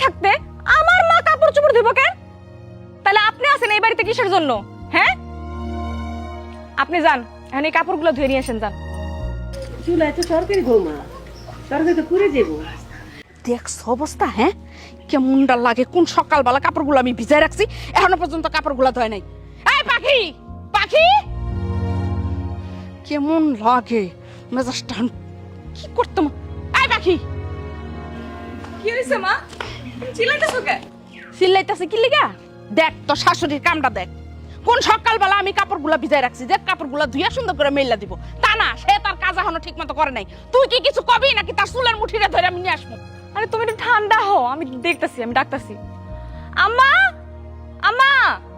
থাকতে আমার মা কাপড় চোপড় ধুইব কেন? তাহলে আপনি আছেন এই বাড়িতে কিসের জন্য? হ্যাঁ, আপনি যান, এখন এই কাপড়গুলো ধুয়ে নিয়ে আসেন, যান। চুলায় তো তরকারি বৌমা, তরকারি তো পুড়ে যাবো। দেখছ অবস্থা, হ্যাঁ কেমনটা লাগে। কোন সকালবেলা কাপড়গুলো আমি ভিজাই রাখছি, এখনো পর্যন্ত কাপড়গুলো ধোয় নাই। এই পাখি, পাখি, কেমন লাগে মেজাজটা। কি করতাম। এই পাখি, কি হইছে মা? চিল্লাইতেছো কেন? চিল্লাইতেছে কি লিগা? দেখ তো শাশুড়ির কামটা দেখ। কোন সকালবেলা আমি কাপড়গুলো ভিজাই রাখছি, যে কাপড়গুলো ধুইয়া সুন্দর করে মেইলা দিব, তা না সে তার কাজ এখনো ঠিক মতো করে নাই। তুই কি কিছু কবি নাকি তার চুলের মুঠিটা ধরে আমি নিয়ে আসবো? আরে তুমি একটু ঠান্ডা হও, আমি দেখতাছি, আমি ডাকতাছি। আম্মা, আম্মা।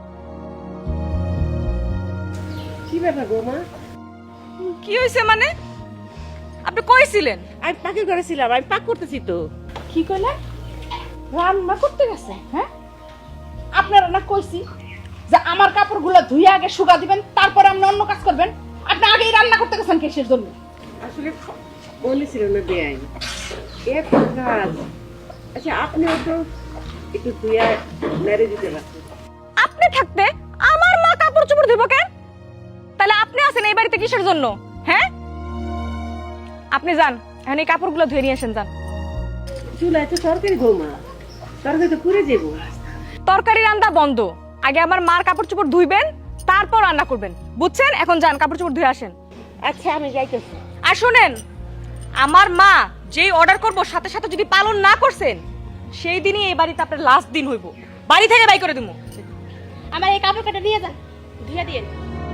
কি ব্যাপার বৌমা? কি হইছে মানে? আপনি কইছিলেন? আমি পাখির ঘরে ছিলাম, আমি পাক করতেছি তো। কি কইলা? রান্না করতে গেছে? হ্যাঁ, আপনারা না কইছি যে আমার কাপড়গুলো ধুইয়া আগে শুকা দিবেন, তারপর আপনি অন্য কাজ করবেন। আপনি আগেই রান্না করতে গেছেন কিসের জন্য? আসলে বলেছিল না বেআই এক কাজ। আচ্ছা আপনিও তো একটু ধুয়া মেরে দিতে পারতেন। আপনি থাকতে আমার মা কাপড় চোপড় ধুইব কেন? তাহলে আপনি আছেন এই বাড়িতে কিসের জন্য? হ্যাঁ, আপনি যান, এখন এই কাপড়গুলো ধুয়ে নিয়ে আসেন, যান। চুলায় তো তরকারি বৌমা, তরকারি তো পুড়ে যাবো। তরকারি রান্না বন্ধ, আগে আমার মার কাপড় চোপড় ধুইবেন, তারপর রান্না করবেন, বুঝছেন? এখন যান, কাপড় চোপড় ধুয়ে আসেন। আচ্ছা আমি যাইতেছি। আর শুনেন, আমার মা যেই অর্ডার করব সাথে সাথে যদি পালন না করছেন, সেই দিনই এই বাড়িতে আপনার লাস্ট দিন হইব, বাড়ি থেকে বাই করে দিমু। আমার এই কাপড় কাটা নিয়ে যান, ধুয়ে দিয়েন।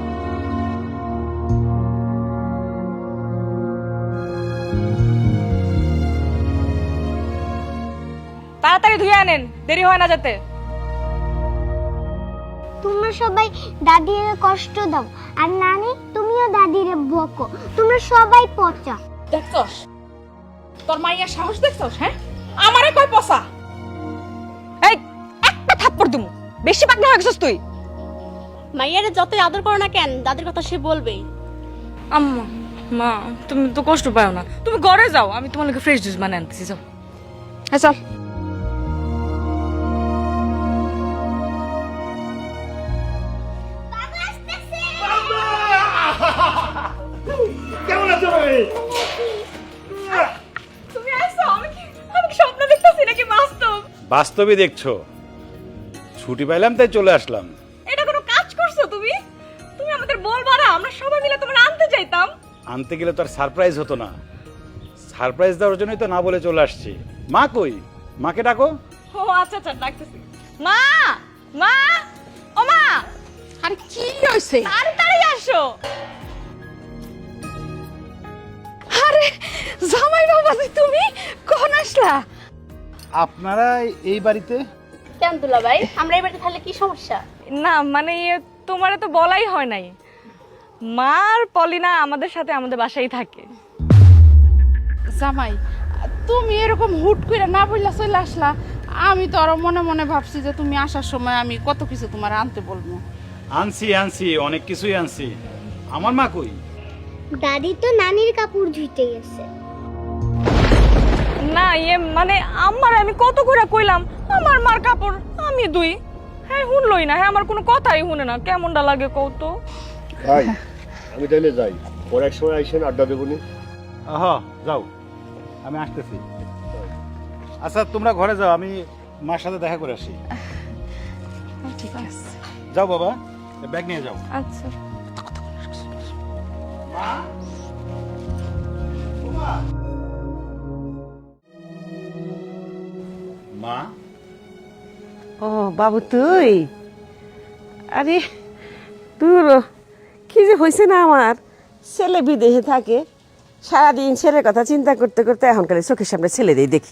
তাড়াতাড়ি ধুয়ে আনেন, দেরি হয় না যাতে। তোমরা সবাই দাদিরে কষ্ট দাও, আর নানি তুমিও দাদিরে বকো। তোমরা সবাই পচা। দেখছস তোর মাইয়ার সাহস দেখছস? হ্যাঁ, আমারে কয় পসা। এই একটা থাপ্পড় দিমু, বেশি পাকনা হয়ে গেছিস তুই। মাইয়ারে যতই আদর করো না কেন, দাদির কথা সে বলবেই। আম্মা, মা তুমি তো কষ্ট পাও না, তুমি ঘরে যাও, আমি তোমার লাগে ফ্রেশ জুস বানিয়ে আনতেছি, যাও। হ্যাঁ চল। কেমন আছো ভাই? তুমি আইছো? আমি কি স্বপ্ন দেখতেছি নাকি বাস্তব? বাস্তবে দেখছো, ছুটি পাইলাম তাই চলে আসলাম। এটা কোনো কাজ করছো তুমি? তুমি আমাদের বলবা না, আমরা সবাই মিলে তোমার আনতে যাইতাম। আনতে গেলে তো আর সারপ্রাইজ হতো না, সারপ্রাইজ দেওয়ার জন্যই তো না বলে চলে আসছি। মা কই? মাকে ডাকো। ও আচ্ছা আচ্ছা, ডাকতেছি। মা, মা, ও মা, আরে কি হইছে? তাড়াতাড়ি আসো। আরে জামাই বাবাজি, তুমি কখন আসলা? আপনারা এই বাড়িতে? কেন দুলা ভাই, আমরা এই বাড়িতে থাকলে কি সমস্যা? না মানে তোমারে তো বলাই হয় নাই, মার পলিনা আমাদের সাথে আমাদের বাসায় থাকে। জামাই, তুমি এরকম হুট করে না বললা চলে আসলা। আমি তো আরো মনে মনে ভাবছি যে তুমি আসার সময় আমি কত কিছু তোমার আনতে বলবো। আনছি আনছি, অনেক কিছুই আনছি। আমার মা কই? দাদি তো নানির কাপড় ধুইতে গেছে। না মানে আমার আমি কত করে কইলাম আমার মার কাপড় আমি দুই, হ্যাঁ শুনলই না, হ্যাঁ আমার কোনো কথাই শুনে না। কেমনটা লাগে কত? ভাই আমি তাইলে যাই, পরে এক সময় আইসেন, আড্ডা দেবনি। হ্যাঁ যাও, আমি আসতেছি। আচ্ছা তোমরা ঘরে যাও, আমি মার সাথে দেখা করে আসি। ঠিক আছে, যাও বাবা, ব্যাগ নিয়ে যাও। আচ্ছা। মা, ও বাবু তুই? আরে তোর কি যে হয়েছে না, আমার ছেলে বিদেশে থাকে, সারাদিন ছেলের কথা চিন্তা করতে করতে এখনকার চোখের সামনে ছেলে দিয়ে দেখি।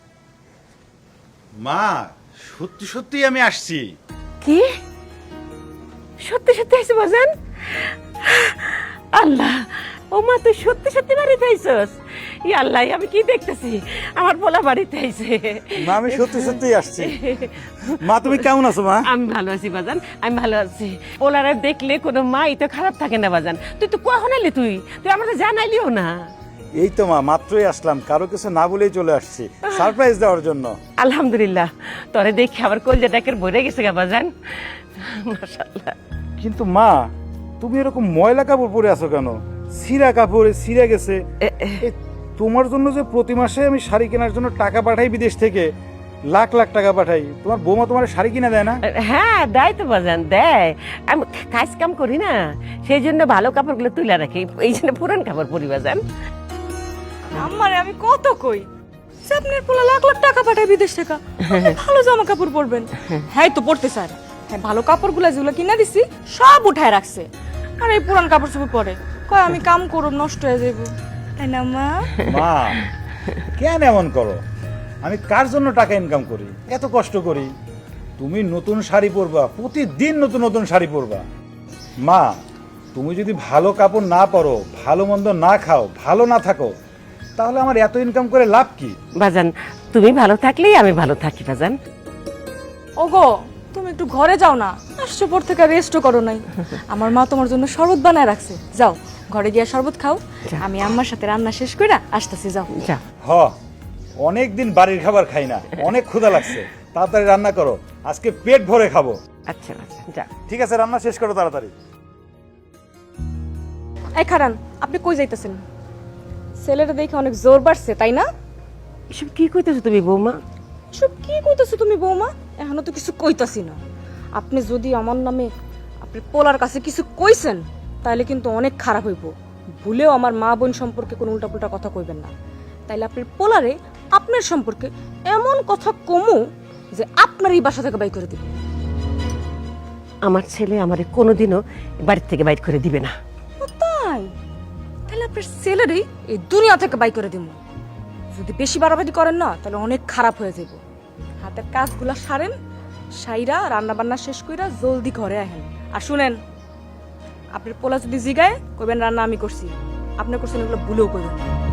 মা সত্যি সত্যি আমি আসছি। কি সত্যি সত্যি আইছে বাজান? আল্লাহ, ও মা তুই সত্যি সত্যি বাড়িতে আইছস? ই আল্লাহ, আমি কি দেখতেছি, আমার পোলা বাড়িতে আইছে। মা আমি সত্যি সত্যি আসছি। মা তুমি কেমন আছো মা? আমি ভালো আছি বাজান, আমি ভালো আছি। পোলারে দেখলে কোনো মাই তো খারাপ থাকে না বাজান। তুই তো কখন এলি? তুই তুই আমাকে জানাইলিও না। এই তো মা, মাত্রই আসলাম, কারো কিছু না বলেই চলে আসছি সারপ্রাইজ দেওয়ার জন্য। আলহামদুলিল্লাহ, তোরে দেখি আমার কলজাটাকে ভরে গেছে গা বাজান, মাশাআল্লাহ। কিন্তু মা, তুমি এরকম ময়লা কাপড় পরে আছো কেন? ছিঁড়া কাপড়, ছিঁড়ে গেছে। এ, তোমার জন্য যে প্রতি মাসে আমি শাড়ি কেনার জন্য টাকা পাঠাই বিদেশ থেকে, লাখ লাখ টাকা পাঠাই, তোমার বৌমা তোমার শাড়ি কিনে দেয় না? হ্যাঁ দেয় তো বাজান, দেয়। আমি কাজ কাম করি না, সেই জন্য ভালো কাপড়গুলো তুলে রাখি, এই জন্য পুরান কাপড় পরি বাজান। আমারে আমি কত কই যে আপনার পোলা লাখ লাখ টাকা পাঠায় বিদেশ থেকে, আপনি ভালো জামা কাপড় পরবেন। হ্যাঁ তো পড়তে স্যার, হ্যাঁ ভালো কাপড়গুলো যেগুলো কিনা দিছি সব উঠায় রাখছে, আর এই পুরান কাপড় চোপড় পরে কয় আমি কাম করব নষ্ট হয়ে যাবো, তাই না মা? মা কেন এমন করো? আমি কার জন্য টাকা ইনকাম করি, এত কষ্ট করি? তুমি নতুন শাড়ি পরবা, প্রতিদিন নতুন নতুন শাড়ি পরবা। মা, তুমি যদি ভালো কাপড় না পরো, ভালো মন্দ না খাও, ভালো না থাকো, তাহলে আমার এত ইনকাম করে লাভ কি? বাজান তুমি ভালো থাকলেই আমি ভালো থাকি বাজান। ওগো তুমি একটু ঘরে যাও না, আসছো পর থেকে রেস্টও করো নাই। আমার মা তোমার জন্য শরবত বানায় রাখছে, যাও ঘরে গিয়ে শরবত খাও, আমি আম্মার সাথে রান্না শেষ করে আসতেছি, যাও। যা। হ, অনেক দিন বাড়ির খাবার খাই না, অনেক ক্ষুধা লাগছে, তাড়াতাড়ি রান্না করো, আজকে পেট ভরে খাবো। আচ্ছা আচ্ছা, যা। ঠিক আছে, রান্না শেষ করো তাড়াতাড়ি। এই খারান, আপনি কই যাইতেছেন? ছেলেটা দেখে অনেক জোর বাড়ছে, তাই না? এসব কি কইতেছো তুমি বৌমা? সব কি কইতাছো তুমি বৌমা? এখনো তো কিছু কইতাছি না। আপনি যদি আমার নামে আপনি পোলার কাছে কিছু কইছেন তাহলে কিন্তু অনেক খারাপ হইব। ভুলেও আমার মা বোন সম্পর্কে কোনো উল্টাপুল্টা কথা কইবেন না, তাইলে আপনার পোলারে আপনার সম্পর্কে এমন কথা কমু যে আপনার এই বাসা থেকে বাই করে দিবে। আমার ছেলে আমারে কোনোদিনও বাড়ির থেকে বাইর করে দিবে না। ও তাই? তাহলে আপনার ছেলেরই এই দুনিয়া থেকে বাই করে দিব। যদি বেশি বাড়াবাড়ি করেন না তাহলে অনেক খারাপ হয়ে যাব। হাতের কাজগুলা সারেন, সাইরা রান্না বান্না শেষ কইরা জলদি ঘরে আহেন। আর শুনেন, আপনার পোলা যদি জিগায় কইবেন রান্না আমি করছি, আপনি করছেন, এগুলো ভুলেও কইবেন না।